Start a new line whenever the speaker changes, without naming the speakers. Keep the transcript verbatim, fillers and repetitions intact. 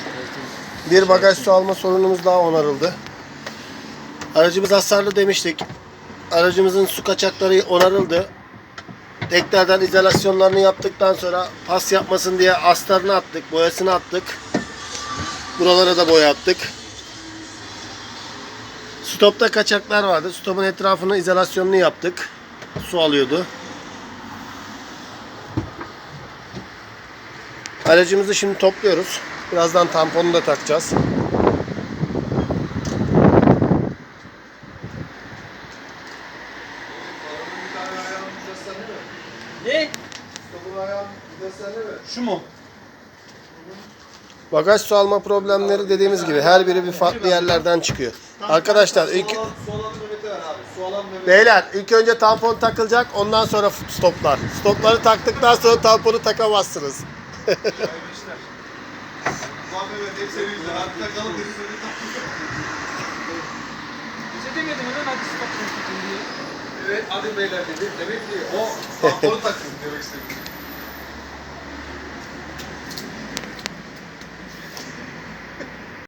Bir bagaj su alma sorunumuz daha onarıldı. Aracımız hasarlı demiştik. Aracımızın su kaçakları onarıldı. Tekrardan izolasyonlarını yaptıktan sonra pas yapmasın diye astarını attık, boyasını attık. Buralara da boya attık. Stopta kaçaklar vardı. Stopun etrafını izolasyonunu yaptık. Su alıyordu. Aracımızı şimdi topluyoruz. Birazdan tamponunu da takacağız.
Ne? Şu mu?
Bagaj su alma problemleri dediğimiz gibi her biri bir farklı yerlerden çıkıyor. Arkadaşlar ilk
Su alan nöbeti var abi. Su alan nöbeti.
beyler ilk önce tampon takılacak, ondan sonra stoplar. Stopları taktıktan sonra tamponu takamazsınız.
Ulan Mehmet hep senin yüzünden. Hadi takalım dedi seni takalım.
Bize demedin hemen hadi stop diye.
Evet hadi beyler dedi. Demek ki o tamponu takın demek istedim.